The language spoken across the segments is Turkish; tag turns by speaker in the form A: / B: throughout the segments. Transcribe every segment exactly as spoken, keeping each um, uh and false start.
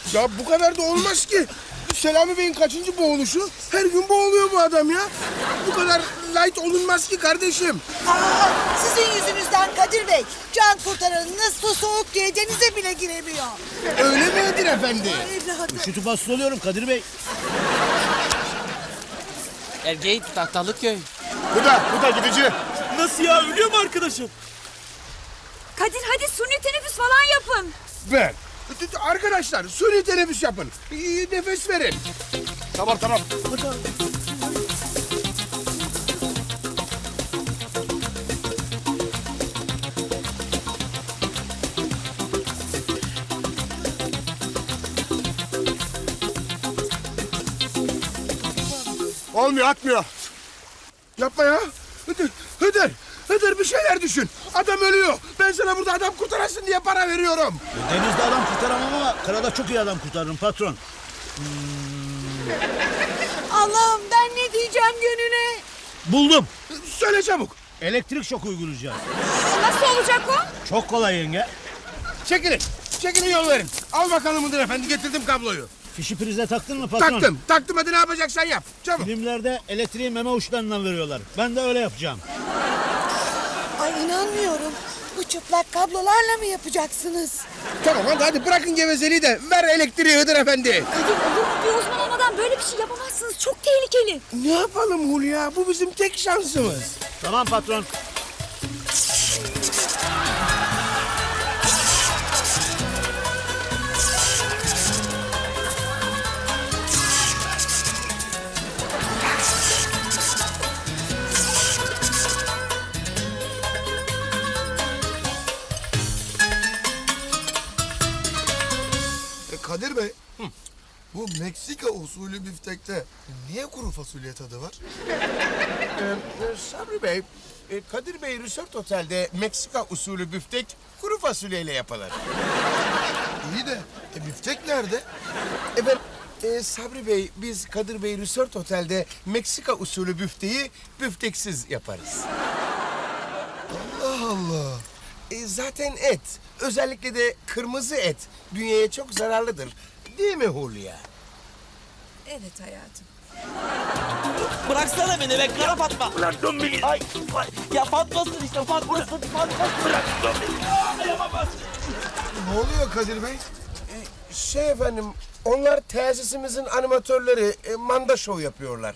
A: Ya bu kadar da olmaz ki. Selami Bey'in kaçıncı boğuluşu? Her gün boğuluyor bu adam ya. Bu kadar light olunmaz ki kardeşim.
B: Aa, sizin yüzünüzden Kadir Bey, can kurtaranınız su soğuk diye denize bile giremiyor.
A: Öyle mi Kadir Efendi?
B: Evladım.
C: Üşütüp hasta oluyorum Kadir Bey.
D: Ergeyik tahtalık köy.
A: Bu da, bu da gidici.
C: Nasıl ya, ölüyor mu arkadaşım?
E: Kadir hadi suni teneffüs falan yapın.
A: Ben. Arkadaşlar suni teneffüs yapın. İyi nefes verin. Tamam tamam. Olmuyor, atmıyor. Yapma ya. Hıdır, Hıdır, Hıdır bir şeyler düşün. Adam ölüyor. Ben sana burada adam kurtarasın diye para veriyorum.
C: Denizde adam kurtaramam ama karada çok iyi adam kurtarırım patron.
B: Allah'ım ben ne diyeceğim gönüne?
C: Buldum.
A: Söyle çabuk.
C: Elektrik şoku uygulayacağız.
E: Nasıl olacak o?
C: Çok kolay yenge.
A: Çekilin. Çekilin yol verin. Al bakalım Hıdır Efendi, getirdim kabloyu.
C: Fişi prize taktın mı patron?
A: Taktım. Taktım, hadi ne yapacaksan yap. Çabuk.
C: Filmlerde elektriği meme uçlarından veriyorlar. Ben de öyle yapacağım.
B: Ay inanmıyorum. Bu çıplak kablolarla mı yapacaksınız?
A: Tamam hadi, hadi bırakın gevezeliği de ver elektriği Hıdır Efendi.
E: Kadir olur mu? Bir uzman olmadan böyle bir şey yapamazsınız. Çok tehlikeli.
A: Ne yapalım Hulya? Bu bizim tek şansımız.
C: Tamam patron.
F: Kadir Bey, bu Meksika usulü biftekte niye kuru fasulye tadı var?
A: Ee, Sabri Bey, e, Kadir Bey Resort Otel'de Meksika usulü büftek kuru fasulyeyle yapılır.
F: İyi de e, biftek nerede?
A: Efendim, e, Sabri Bey, biz Kadir Bey Resort Otel'de Meksika usulü büfteyi büfteksiz yaparız.
F: Allah Allah.
A: E, zaten et, özellikle de kırmızı et bünyeye çok zararlıdır. Değil mi Hulya?
E: Evet hayatım.
D: Bıraksana beni be kara Fatma. Bırak beni. Ay, ay. Ya Fatma'sın işte Fatma'sın. Fatma'sın. Bırak beni.
F: Ne oluyor Kadir Bey?
A: Şey efendim, onlar tesisimizin animatörleri, e, manda şov yapıyorlar.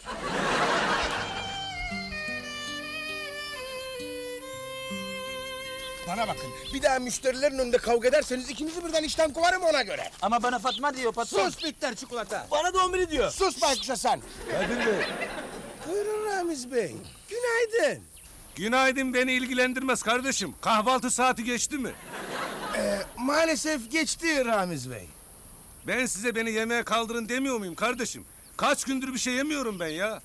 A: Bana bakın, bir daha müşterilerin önünde kavga ederseniz ikinizi birden işten kovarım, ona göre.
D: Ama bana Fatma diyor patron.
A: Sus bitter çikolata.
D: Bana da on biri diyor.
A: Sus baykuşa sen.
F: Kadir Bey.
A: Buyurun Ramiz Bey. Günaydın.
G: Günaydın, beni ilgilendirmez kardeşim. Kahvaltı saati geçti mi?
A: Ee, maalesef geçti Ramiz Bey.
G: Ben size beni yemeğe kaldırın demiyor muyum kardeşim? Kaç gündür bir şey yemiyorum ben ya.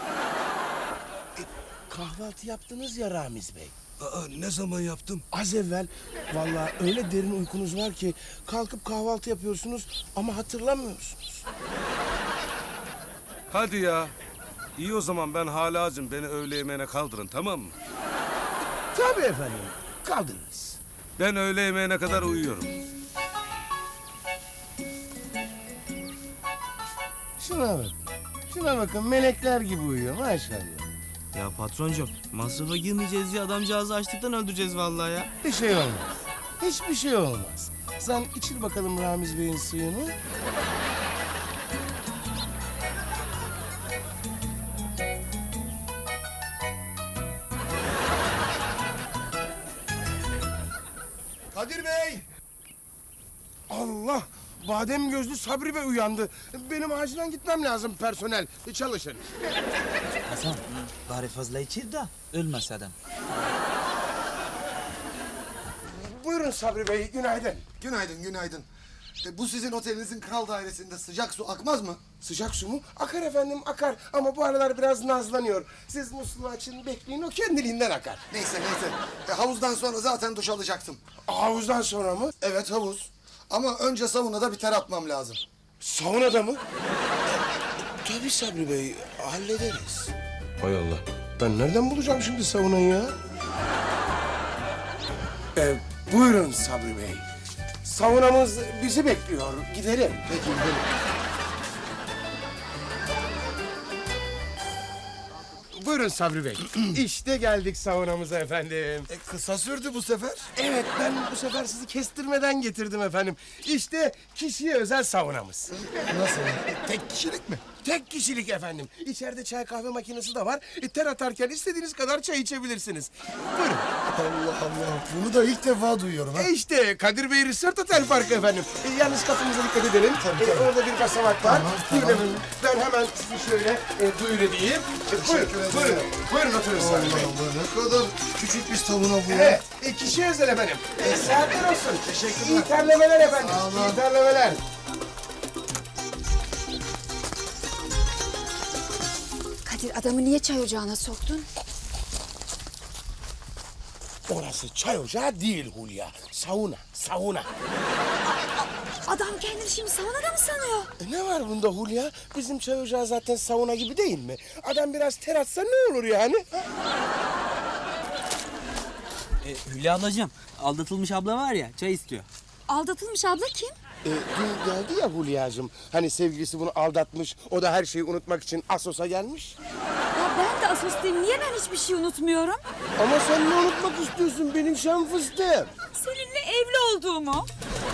A: Kahvaltı yaptınız ya Ramiz Bey.
G: Aa, ne zaman yaptım?
A: Az evvel vallahi öyle derin uykunuz var ki kalkıp kahvaltı yapıyorsunuz ama hatırlamıyorsunuz.
G: Hadi ya. İyi o zaman, ben hala acım. Beni öğle yemeğine kaldırın, tamam mı?
A: Tabii efendim, kaldınız.
G: Ben öğle yemeğine kadar uyuyorum.
A: Şuna bakın, şuna bakın melekler gibi uyuyor maşallah.
D: Ya patroncum masrafa girmeyeceğiz diye adamcağızı açlıktan öldüreceğiz vallahi ya.
A: Bir şey olmaz, hiçbir şey olmaz. Sen içir bakalım Ramiz Bey'in suyunu.
F: Kadir Bey.
A: Allah! Badem gözlü Sabri Bey uyandı. Benim acilen gitmem lazım personel. Çalışın.
D: Hasan bari fazla içir de ölmez adam.
A: Buyurun Sabri Bey, günaydın.
F: Günaydın, günaydın. E, bu sizin otelinizin kral dairesinde sıcak su akmaz mı?
A: Sıcak su mu? Akar efendim, akar. Ama bu aralar biraz nazlanıyor. Siz musluğu açın, bekleyin, o kendiliğinden akar.
F: Neyse neyse. E, havuzdan sonra zaten duş alacaktım.
A: Havuzdan sonra mı?
F: Evet havuz. Ama önce saunada bir ter atmam lazım.
A: Saunada mı? Tabii Sabri Bey, hallederiz. Hay Allah. Ben nereden bulacağım şimdi saunayı ya? Ee, buyurun Sabri Bey. Saunamız bizi bekliyor. Gidelim.
F: Peki gidelim.
A: Buyurun Sabri Bey. İşte geldik saunamıza efendim.
F: E, kısa sürdü bu sefer.
A: Evet, ben bu sefer sizi kestirmeden getirdim efendim. İşte kişiye özel saunamız.
F: Nasıl? E, tek kişilik mi?
A: Tek kişilik efendim. İçeride çay kahve makinesi de var. E, ter atarken istediğiniz kadar çay içebilirsiniz. Buyurun.
F: Allah Allah. Bunu da ilk defa duyuyorum ha.
A: E işte Kadir Bey Resort Otel Parkı efendim. E, yalnız kapımıza dikkat edelim. E, orada bir basamak var.
F: Tamam,
A: Buyurun
F: tamam.
A: efendim. Ben hemen sizi şöyle e, duyur edeyim. E, buyurun,
F: ederim.
A: buyurun. Buyurun oturun
F: Allah
A: Sabri Bey.
F: Allah, ne kadar küçük bir sauna bu ya.
A: Evet, e, kişiye özel efendim. E, saatler olsun.
F: Teşekkürler.
A: İyi terlemeler efendim.
F: Sağ olun.
A: İyi terlemeler.
E: Kadir adamı niye çay ocağına soktun?
A: Orası çay ocağı değil Hulya. Sauna, sauna.
E: Adam kendini şimdi saunada mı sanıyor?
A: E, ne var bunda Hulya? Bizim çay ocağı zaten sauna gibi değil mi? Adam biraz ter atsa ne olur yani?
D: E, Hülya ablacığım, aldatılmış abla var ya, çay istiyor.
E: Aldatılmış abla kim?
A: E, dün geldi ya Hulya'cığım. Hani sevgilisi bunu aldatmış. O da her şeyi unutmak için Asos'a gelmiş.
E: Ya ben de asostayım. Niye ben hiçbir şey unutmuyorum?
A: Ama sen ne unutmak istiyorsun benim şam fıstığım?
E: Seninle evli olduğumu.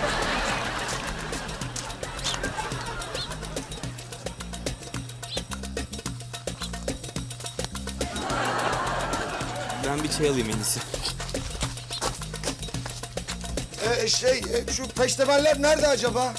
D: Ben bir çay alayım en iyisi.
F: E, şey, e, şu peştemaller nerede acaba?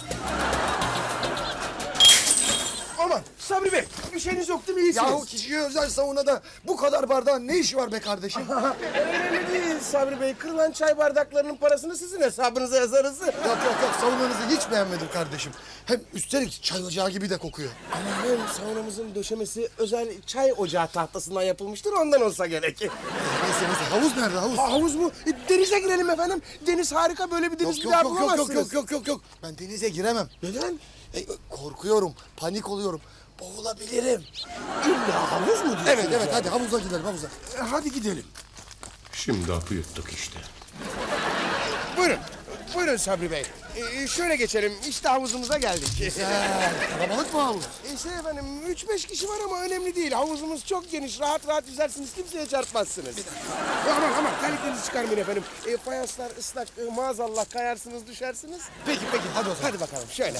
A: Aman Sabri Bey, bir şeyiniz yok değil mi? İyisiniz.
F: Yahu kişiye özel saunada bu kadar bardağın ne işi var be kardeşim?
A: Önemli değil Sabri Bey. Kırılan çay bardaklarının parasını sizin hesabınıza yazarız.
F: Yok yok yok, saunanızı hiç beğenmedim kardeşim. Hem üstelik çay ocağı gibi de kokuyor.
A: Ama hem saunamızın döşemesi özel çay ocağı tahtasından yapılmıştır. Ondan olsa gerek.
F: Neyse neyse, havuz nerede havuz?
A: Ha, havuz mu? E, denize girelim efendim. Deniz harika. Böyle bir deniz
F: Yok
A: bir
F: yok
A: daha
F: yok yok
A: bulamazsınız.
F: yok yok yok yok yok. Ben denize giremem.
A: Neden?
F: E, korkuyorum, panik oluyorum. Boğulabilirim.
A: İlla havuz mu diyorsunuz?
F: Evet evet,
A: yani?
F: hadi havuza gidelim havuza.
A: E, hadi gidelim. Şimdi apı yuttuk işte. Buyurun. Buyurun Sabri Bey. Ee, şöyle geçelim. İşte havuzumuza geldik.
F: Güzel. Kalabalık mı havuz?
A: E, şey efendim, üç beş kişi var ama önemli değil. Havuzumuz çok geniş. Rahat rahat yüzersiniz. Kimseye çarpmazsınız. Aman aman, terliklerinizi çıkarmayın efendim. E, fayanslar ıslak. E, maazallah kayarsınız, düşersiniz.
F: Peki peki, hadi o zaman.
A: Hadi bakalım şöyle.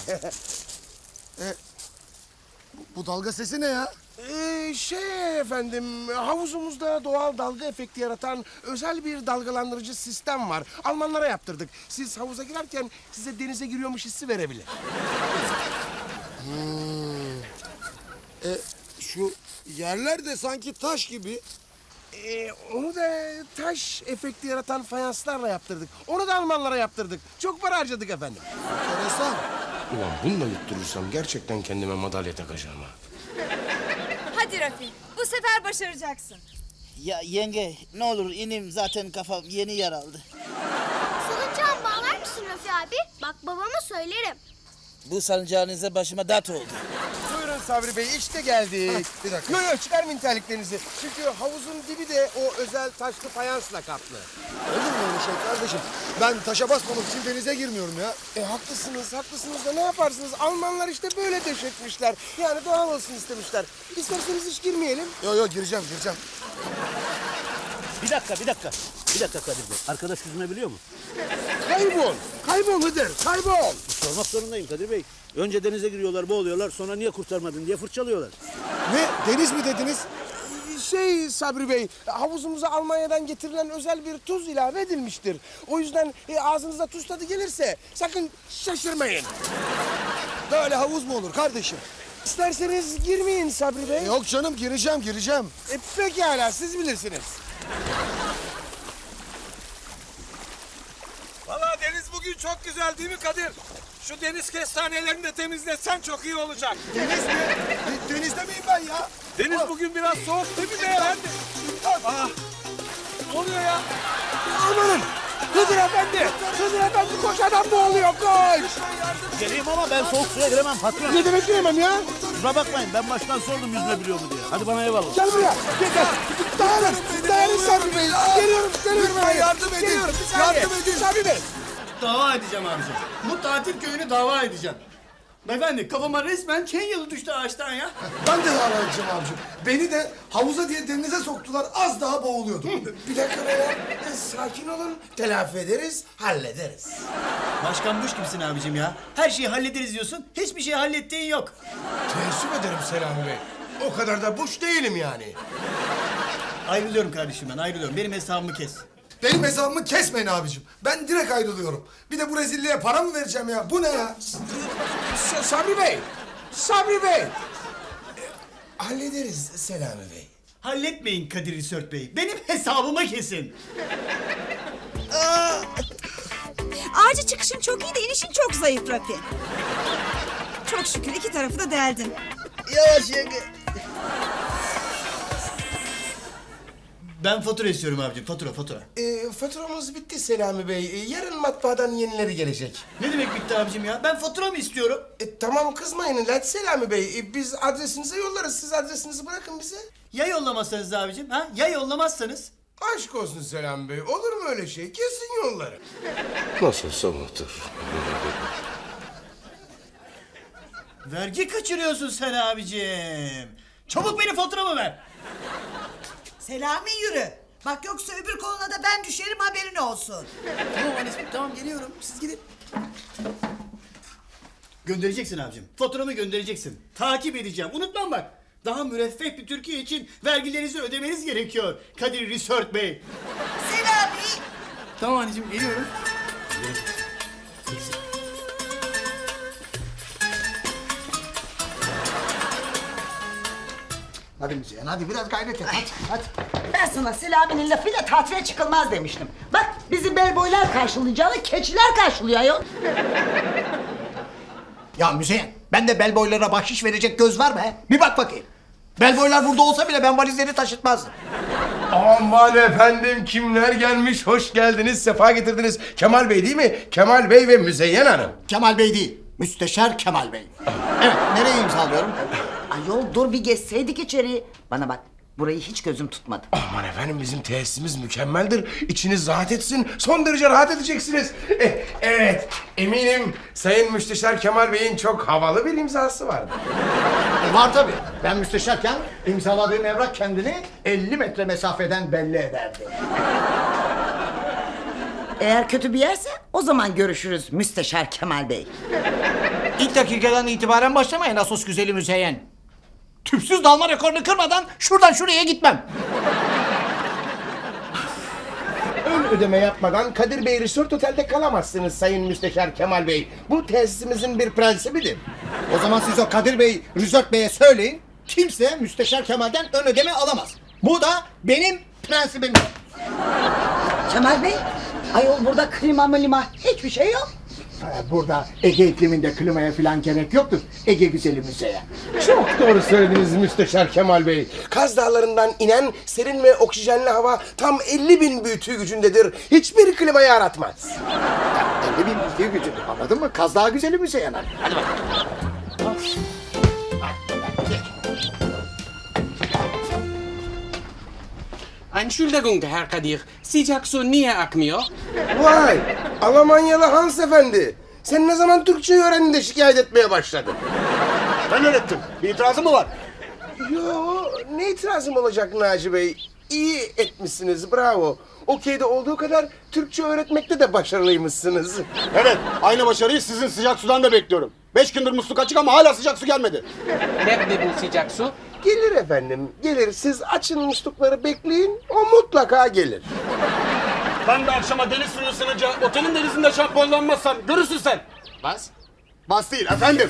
F: Bu dalga sesi ne ya?
A: Ee, şey efendim, havuzumuzda doğal dalga efekti yaratan özel bir dalgalandırıcı sistem var. Almanlara yaptırdık. Siz havuza girerken size denize giriyormuş hissi verebilir.
F: E, şu yerler de sanki taş gibi.
A: Ee, onu da taş efekti yaratan fayanslarla yaptırdık. Onu da Almanlara yaptırdık. Çok para harcadık efendim.
F: Enteresan.
A: Ulan bununla yutturursam gerçekten kendime madalya takacağım ha.
E: Hadi Rafi. Bu sefer başaracaksın.
H: Ya yenge ne olur inim, zaten kafam yeni yaraldı.
I: Salıncağımı bağlar mısın Rafi abi? Bak babama söylerim.
H: Bu salıncağınıza başıma dert oldu.
A: Buyurun Sabri Bey, işte geldik.
F: Ha, bir dakika.
A: Yok yok, çıkarmayın terliklerinizi. Çünkü havuzun dibi de o özel taşlı fayansla kaplı.
F: Olur mu öyle şey kardeşim? Ben taşa basmamak için denize girmiyorum ya.
A: E haklısınız, haklısınız da ne yaparsınız? Almanlar işte böyle döşetmişler. Yani doğal olsun istemişler. İsterseniz hiç girmeyelim.
F: Yok yok, gireceğim gireceğim.
C: Bir dakika, bir dakika. Bir dakika Kadir Bey. Arkadaş yüzme biliyor mu?
A: Kaybol, kaybol Hıdır, kaybol.
C: Sormak zorundayım Kadir Bey. Önce denize giriyorlar, boğuluyorlar. Sonra niye kurtarmadın diye fırçalıyorlar.
F: Ne? Deniz mi dediniz?
A: Şey Sabri Bey, havuzumuza Almanya'dan getirilen özel bir tuz ilave edilmiştir. O yüzden e, ağzınıza tuz tadı gelirse sakın şaşırmayın.
F: Böyle havuz mu olur kardeşim?
A: İsterseniz girmeyin Sabri Bey.
F: Yok canım, gireceğim gireceğim.
A: E, pekala, siz bilirsiniz.
G: Vallahi deniz bugün çok güzel değil mi Kadir? Şu deniz kestanelerini de temizletsen çok iyi olacak.
F: Deniz mi? De- denizde miyim ben ya?
G: Deniz bugün biraz soğuk değil mi beyefendi? Aa, ne oluyor ya?
A: Amanın! Hıdır Efendi! Hıdır Efendi koş, adam boğuluyor, koş!
C: Geleyim ama ben soğuk suya giremem patron.
A: Ne demek diyemem ya?
C: Kusura bakmayın, ben baştan sordum yüzme biliyor mu diye. Hadi bana eyvallah.
A: Gel buraya, gel gel. Dayanın, dayanın Sabri Bey. Geliyorum, geliyorum.
F: Lütfen
A: efendim.
F: yardım edin,
A: Geliyorum, bir saniye.
F: yardım edin.
A: Sabri Bey,
J: Dava edeceğim abicim. Bu tatil köyünü dava edeceğim. Beyefendi kafama resmen Kenyalı düştü ağaçtan ya.
F: Ben de dava edeceğim abicim. Beni de havuza diye denize soktular. Az daha boğuluyordum.
A: Bir dakika beyler. E, sakin olun. Telafi ederiz, hallederiz.
J: Başkan Buş kimsin abicim ya? Her şeyi hallederiz diyorsun. Hiçbir şey hallettiğin yok.
A: Teessüf ederim Selami Bey. O kadar da buş değilim yani.
J: Ayrılıyorum kardeşim ben ayrılıyorum. Benim hesabımı kes.
F: Benim hesabımı kesmeyin abicim. Ben direkt ayrılıyorum. Bir de bu rezilliğe para mı vereceğim ya? Bu ne ya?
A: S- Sabri Bey. Sabri Bey. E, hallederiz Selami Bey.
J: Halletmeyin Kadir Risört Bey. Benim hesabımı kesin.
E: Ağaca çıkışın çok iyi de inişin çok zayıf Rafi. Çok şükür iki tarafı da deldin.
H: Yavaş yenge.
J: Ben fatura istiyorum abicim. Fatura fatura.
A: E, faturamız bitti Selami Bey. E, yarın matbaadan yenileri gelecek.
J: Ne demek bitti abicim ya? Ben fatura mı istiyorum?
A: E, tamam kızmayın lan Selami Bey. E, biz adresinize yollarız. Siz adresinizi bırakın bize.
J: Ya yollamazsanız abicim ha? Ya yollamazsanız?
A: Aşk olsun Selami Bey. Olur mu öyle şey? Kesin yolları. Nasılsa unutur.
J: Vergi kaçırıyorsun sen abicim. Çabuk benim faturamı ver.
B: Selami yürü. Bak yoksa öbür koluna da ben düşerim haberin olsun.
J: Tamam anneciğim tamam geliyorum. Siz gidin. Göndereceksin abicim. Faturamı göndereceksin. Takip edeceğim. Unutmam bak. Daha müreffeh bir Türkiye için vergilerinizi ödemeniz gerekiyor. Kadir Risört Bey.
B: Selami.
J: Tamam anneciğim geliyorum.
K: Hadi Müzeyyen hadi biraz gayret et hadi hadi.
B: Ben sana Selami'nin lafıyla tatile çıkılmaz demiştim. Bak bizi bel boylar karşılayacağını keçiler karşılıyor ayol.
K: Ya Müzeyyen bende bel boylara bahşiş verecek göz var mı he? Bir bak bakayım. Bel boylar burada olsa bile ben valizleri taşıtmazdım.
A: Aman efendim kimler gelmiş? Hoş geldiniz, sefa getirdiniz. Kemal Bey değil mi? Kemal Bey ve Müzeyyen Hanım.
K: Kemal Bey değil, Müsteşar Kemal Bey. Evet, nereye imzalıyorum?
B: Ayol dur bir geçseydik içeriye. Bana bak burayı hiç gözüm tutmadı.
A: Aman efendim bizim tesisimiz mükemmeldir. İçiniz rahat etsin. Son derece rahat edeceksiniz. Eh, evet eminim Sayın Müsteşar Kemal Bey'in çok havalı bir imzası vardır.
K: E, var tabii. Ben müsteşarken imzaladığım evrak kendini elli metre mesafeden belli ederdi.
B: Eğer kötü bir yerse o zaman görüşürüz Müsteşar Kemal Bey.
K: İlk dakikadan itibaren başlamayın Asos güzeli Müzeyyen. Tüpsüz dalma rekorunu kırmadan şuradan şuraya gitmem.
A: Ön ödeme yapmadan Kadir Bey Resort Otel'de kalamazsınız Sayın Müsteşar Kemal Bey. Bu tesisimizin bir prensibidir.
K: O zaman siz o Kadir Bey, Risört Bey'e söyleyin. Kimse Müsteşar Kemal'den ön ödeme alamaz. Bu da benim prensibim.
B: Kemal Bey, ayol burada klima mılima hiçbir şey yok.
K: Burada Ege ikliminde klimaya falan gerek yoktur. Ege güzeli Müzeyyen.
A: Çok doğru söylediniz Müsteşar Kemal Bey. Kaz Dağları'ndan inen serin ve oksijenli hava tam elli bin büyütü gücündedir. Hiçbir klimayı aratmaz.
K: elli bin büyütü gücü. Anladın mı? Kaz Dağı güzeli Müzeyyen. Hadi bakalım.
L: Entschuldigung Herr Kadir, sıcak su niye akmıyor?
A: Vay! Almanyalı Hans Efendi. Sen ne zaman Türkçeyi öğrendin de şikayet etmeye başladın?
K: Ben öğrettim. Bir itirazın mı var?
A: Yo, ne itirazım olacak Naci Bey? İyi etmişsiniz, bravo. Okey'de olduğu kadar Türkçe öğretmekte de başarılıymışsınız.
K: Evet, aynı başarıyı sizin sıcak sudan da bekliyorum. Beş gündür musluk açık ama hala sıcak su gelmedi.
L: Nerede bu sıcak su?
A: Gelir efendim, gelir. Siz açın muslukları bekleyin, o mutlaka gelir.
J: Ben de akşama deniz suyu ısınınca otelin denizinde şampuanlanmazsam görürsün sen.
K: Bas. Bas değil efendim.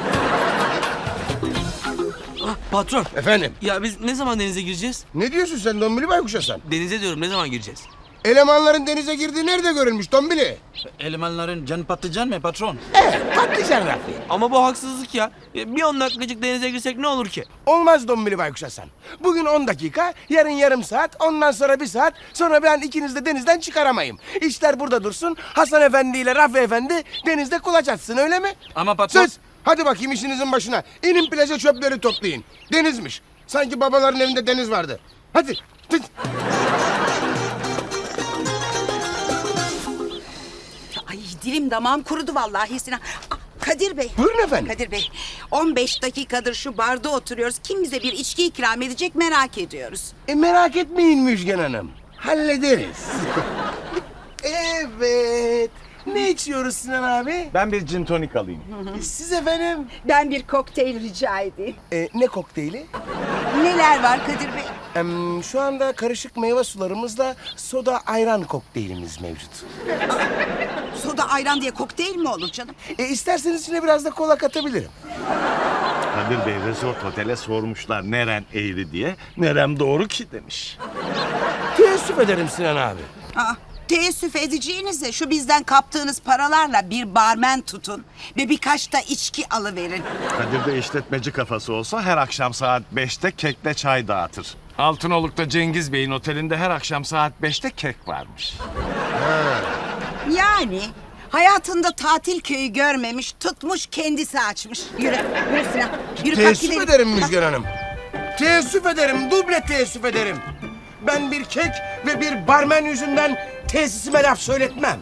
D: Patron.
A: Efendim?
D: Ya biz ne zaman denize gireceğiz?
A: Ne diyorsun sen Dombili Baykuş Hasan?
D: Denize diyorum ne zaman gireceğiz?
A: Elemanların denize girdiği nerede görülmüş Dombili?
J: Elemanların canı patlıcan mı patron?
A: Evet, patlıcan Rafi.
D: Ama bu haksızlık ya. Bir on dakikacık denize girsek ne olur ki?
A: Olmaz Dombili Baykuş Hasan. Bugün on dakika, yarın yarım saat, ondan sonra bir saat, sonra ben ikiniz de denizden çıkaramayım. İşler burada dursun, Hasan Efendi ile Rafi Efendi denizde kulaç atsın, öyle mi?
D: Ama patron...
A: Söz! Hadi bakayım işinizin başına. İnin plaja çöpleri toplayın. Denizmiş. Sanki babaların evinde deniz vardı. Hadi. Hadi.
E: Ay dilim damağım kurudu vallahi Sinan. Aa, Kadir Bey.
A: Buyurun efendim.
E: Kadir Bey, on beş dakikadır şu barda oturuyoruz. Kim bize bir içki ikram edecek merak ediyoruz.
A: E merak etmeyin Müjgan Hanım. Hallederiz. Evet. Ne içiyoruz Sinan abi?
M: Ben bir gin tonik alayım.
A: Siz efendim?
E: Ben bir kokteyl rica edeyim.
A: E, ne kokteyli?
E: Neler var Kadir Bey?
A: Em, şu anda karışık meyve sularımızla soda ayran kokteylimiz mevcut.
E: Soda ayran diye kokteyl mi olur canım?
A: E, isterseniz içine biraz da kola katabilirim.
M: Kadir Bey Resort Otel'e sormuşlar neren eğri diye. Nerem doğru ki demiş.
A: Teessüf ederim Sinan abi.
E: Aa, teessüf edeceğinize şu bizden kaptığınız paralarla bir barmen tutun ve birkaç da içki alıverin.
M: Kadir Bey işletmeci kafası olsa her akşam saat beşte kekle çay dağıtır. Altınoluk'ta Cengiz Bey'in otelinde her akşam saat beşte kek varmış.
E: Yani hayatında tatil köyü görmemiş, tutmuş kendisi açmış. Yürü, yürü Sinan. Yürü, kalk
A: Teessüf
E: gidelim.
A: ederim Müjgan Hanım. Teessüf ederim, duble teessüf ederim. Ben bir kek ve bir barmen yüzünden tesisime laf söyletmem.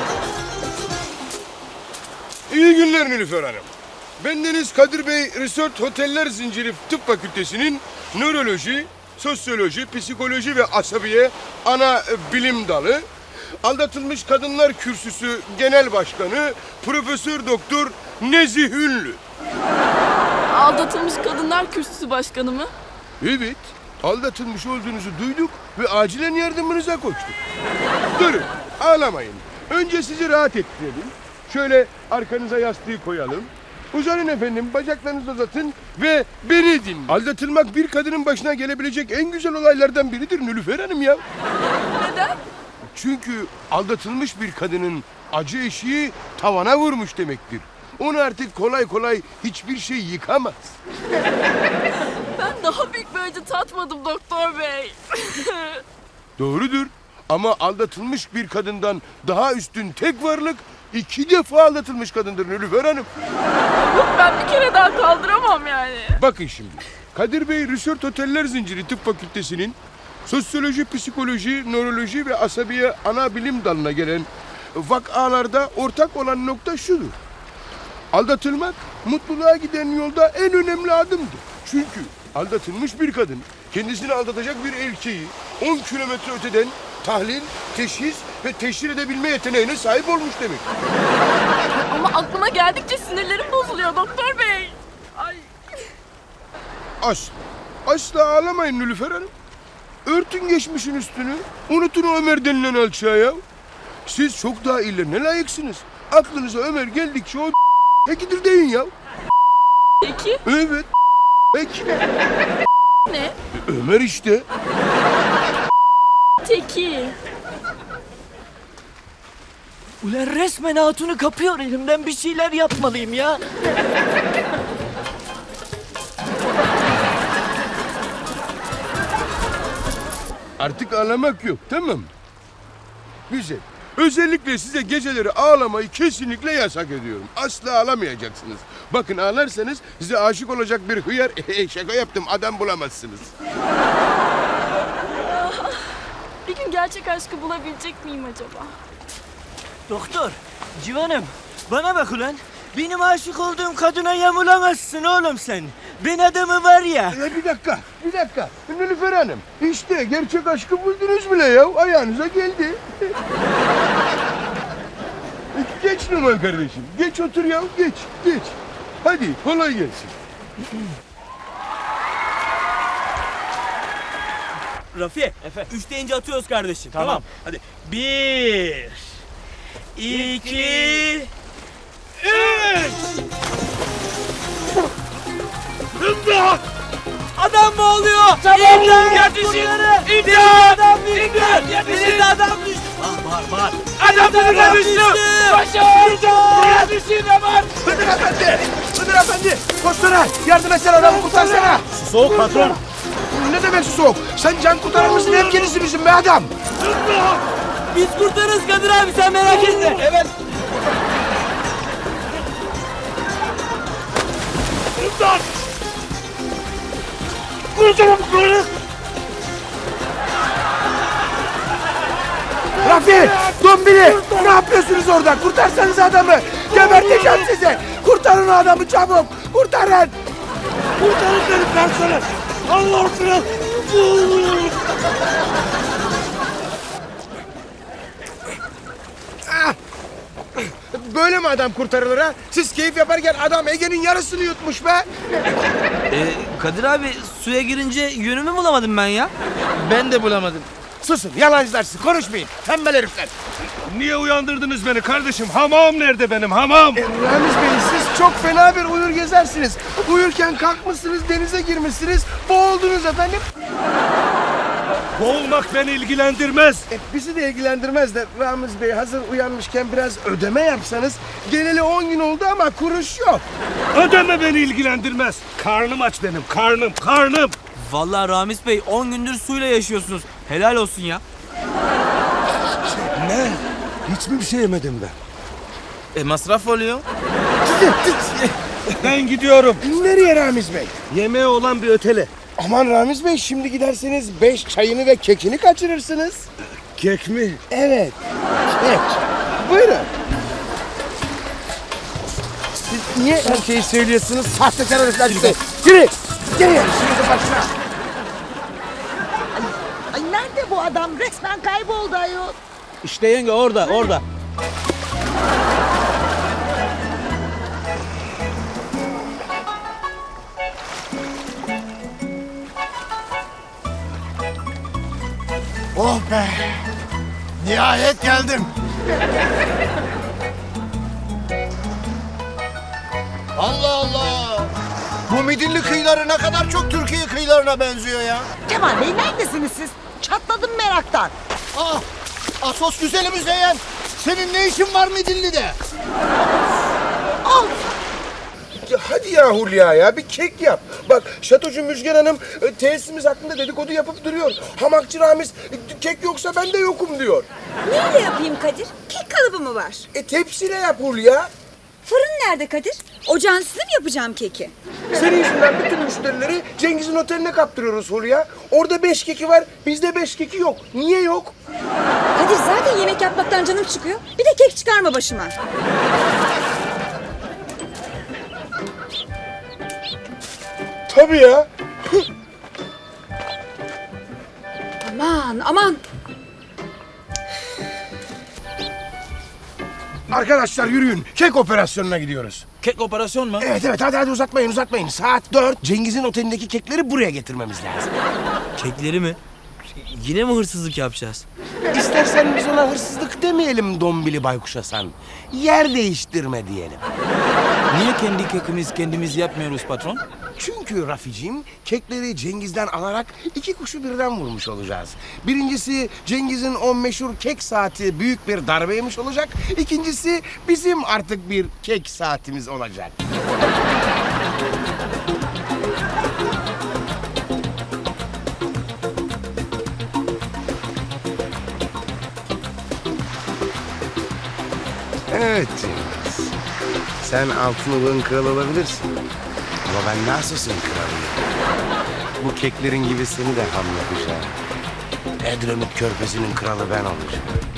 N: İyi günler Nilüfer Hanım. Bendeniz Kadir Bey Resort Oteller Zinciri Tıp Fakültesi'nin nöroloji, sosyoloji, psikoloji ve asabiye ana bilim dalı, aldatılmış kadınlar kürsüsü genel başkanı Profesör Doktor Nezih Ünlü.
O: Aldatılmış kadınlar kürsüsü başkanı mı?
N: Evet, aldatılmış olduğunuzu duyduk ve acilen yardımınıza koştuk. Durun, ağlamayın. Önce sizi rahat ettirelim. Şöyle arkanıza yastığı koyalım. Uzanın efendim, bacaklarınızı uzatın ve beni dinleyin. Aldatılmak bir kadının başına gelebilecek en güzel olaylardan biridir Nilüfer Hanım ya.
O: Neden?
N: Çünkü aldatılmış bir kadının acı eşiği tavana vurmuş demektir. Onu artık kolay kolay hiçbir şey yıkamaz.
O: Ben daha büyük bir acı tatmadım doktor bey.
N: Doğrudur ama aldatılmış bir kadından daha üstün tek varlık iki defa aldatılmış kadındır Nilüfer Hanım.
O: Yok, ben bir kere daha kaldıramam yani.
N: Bakın şimdi, Kadir Bey Resort Oteller Zinciri Tıp Fakültesi'nin sosyoloji, psikoloji, nöroloji ve asabiye ana bilim dalına gelen vakalarda ortak olan nokta şudur. Aldatılmak mutluluğa giden yolda en önemli adımdır. Çünkü aldatılmış bir kadın kendisini aldatacak bir erkeği on kilometre öteden tahlil, teşhis ve teşhir edebilme yeteneğine sahip olmuş demek.
O: Ama aklıma geldikçe sinirlerim bozuluyor doktor bey. Ay.
N: Asla, asla ağlamayın Nilüfer Hanım. Örtün geçmişin üstünü, unutun o Ömer denilen alçağı ya. Siz çok daha iyilerine layıksınız. Aklınıza Ömer geldikçe o tekidir deyin ya.
O: Peki?
N: Evet, peki.
O: Ne?
N: Ömer işte.
O: Teki.
D: Ulan resmen hatunu kapıyor elimden, bir şeyler yapmalıyım ya.
N: Artık ağlamak yok, tamam mı? Güzel. Özellikle size geceleri ağlamayı kesinlikle yasak ediyorum. Asla ağlamayacaksınız. Bakın ağlarsanız size aşık olacak bir hıyar... Şaka yaptım, adam bulamazsınız.
O: Bir gün gerçek aşkı bulabilecek miyim acaba?
D: Doktor, civanım bana bak ulan. Benim aşık olduğum kadına yamulamazsın oğlum sen. Ben adamı var ya.
N: E, bir dakika, bir dakika. Nilüfer Hanım, işte gerçek aşkı buldunuz bile ya. Ayağınıza geldi. Geç Numan kardeşim. Geç otur ya, geç, geç. Hadi, kolay gelsin.
D: Rafi, üç deyince atıyoruz kardeşim. Tamam. tamam. Hadi. Bir, iki, üç. İmdat! Adam mı oluyor? İmdat! Yetişin! İmdat! Adam düştü! İmdat! Yetişin! Adam düştü! Ah, bağır, bağır! Adam bana düştü! Koşun! İmdat! Yetişin hemen!
A: Hıdır Efendi! Hıdır Efendi! Koşsana! Yardım etsene adamı, kurtarsana!
N: Su soğuk patron.
A: Ne demek su soğuk? Sen can kurtaran mısın, hemşerisi misin be adam?
D: Biz kurtarırız Kadir abi, sen merak etme. Evet.
N: İmdat! Kurtarın bu konu!
A: Rafi! Dön Dombili ne yapıyorsunuz orada? Kurtarsanız adamı. Geberteceğim sizi. Kurtarın o adamı çabuk. Kurtarın.
C: Kurtarın beni personel. Allah aşkına.
A: Ah! Böyle mi adam kurtarılır ha? Siz keyif yaparken adam Ege'nin yarısını yutmuş be.
D: Ee, Kadir abi suya girince yönümü bulamadım ben ya.
C: Ben de bulamadım.
A: Susun yalancılar siz konuşmayın. Tembel herifler.
G: Niye uyandırdınız beni kardeşim? Hamam nerede benim hamam?
A: E, Ramiz Bey siz çok fena bir uyur gezersiniz. Uyurken kalkmışsınız denize girmişsiniz. Boğuldunuz efendim.
G: Boğulmak beni ilgilendirmez.
A: E, bizi de ilgilendirmez de Ramiz Bey hazır uyanmışken biraz ödeme yapsanız. Geleli on gün oldu ama kuruş yok.
G: Ödeme beni ilgilendirmez. Karnım aç benim karnım karnım.
D: Vallahi Ramiz Bey on gündür suyla yaşıyorsunuz. Helal olsun ya.
A: Ne? Hiç mi bir şey yemedim ben?
D: E masraf oluyor.
G: Ben gidiyorum.
A: Nereye Ramiz Bey?
G: Yemeğe olan bir ötele.
A: Aman Ramiz Bey şimdi giderseniz beş çayını ve kekini kaçırırsınız.
G: Kek mi?
A: Evet. Kek. Buyurun. Siz niye her şeyi söylüyorsunuz? Sahtekar herifler size. Yürü. Geri gel. Şimdi başına.
B: Ay nerede bu adam? Resmen kayboldu ayol.
D: İşte yenge orada orada.
F: Oh be! Nihayet geldim. Allah Allah! Bu Midilli kıyıları ne kadar çok Türkiye kıyılarına benziyor ya.
B: Kemal Bey neredesiniz siz? Çatladım meraktan.
F: Ah! Asos güzeli Müzeyyen! Senin ne işin var Midilli'de?
B: Al.
A: Ya hadi ya Hulya ya bir kek yap. Bak şatocu Müjgan Hanım e, tesisimiz hakkında dedikodu yapıp duruyor. Hamakçı Ramiz e, kek yoksa ben de yokum diyor.
P: Neyle yapayım Kadir? Kek kalıbı mı var?
A: E tepsiyle yap Hulya.
P: Fırın nerede Kadir? Ocağın üstüne mi yapacağım keki?
A: Senin yüzünden bütün müşterileri Cengiz'in oteline kaptırıyoruz Hulya. Orada beş keki var, bizde beş keki yok. Niye yok?
P: Kadir zaten yemek yapmaktan canım çıkıyor. Bir de kek çıkarma başıma.
A: Tabii ya.
P: Aman aman.
A: Arkadaşlar yürüyün. Kek operasyonuna gidiyoruz.
D: Kek operasyon mu?
A: Evet evet hadi hadi uzatmayın uzatmayın. Saat dört Cengiz'in otelindeki kekleri buraya getirmemiz lazım.
D: Kekleri mi? Yine mi hırsızlık yapacağız?
A: İstersen biz ona hırsızlık demeyelim Dombili Baykuş Hasan. Yer değiştirme diyelim.
D: Niye kendi kekimiz kendimiz yapmıyoruz patron?
A: Çünkü Raficim kekleri Cengiz'den alarak iki kuşu birden vurmuş olacağız. Birincisi Cengiz'in o meşhur kek saati büyük bir darbe yemiş olacak. İkincisi bizim artık bir kek saatimiz olacak. Evet Cengiz. Sen altınoluk'un kralı olabilirsin. Ama ben Narsus'un kralıyım. Bu keklerin gibi seni de ham yapacağım. Edremit Körfezi'nin kralı ben olacağım.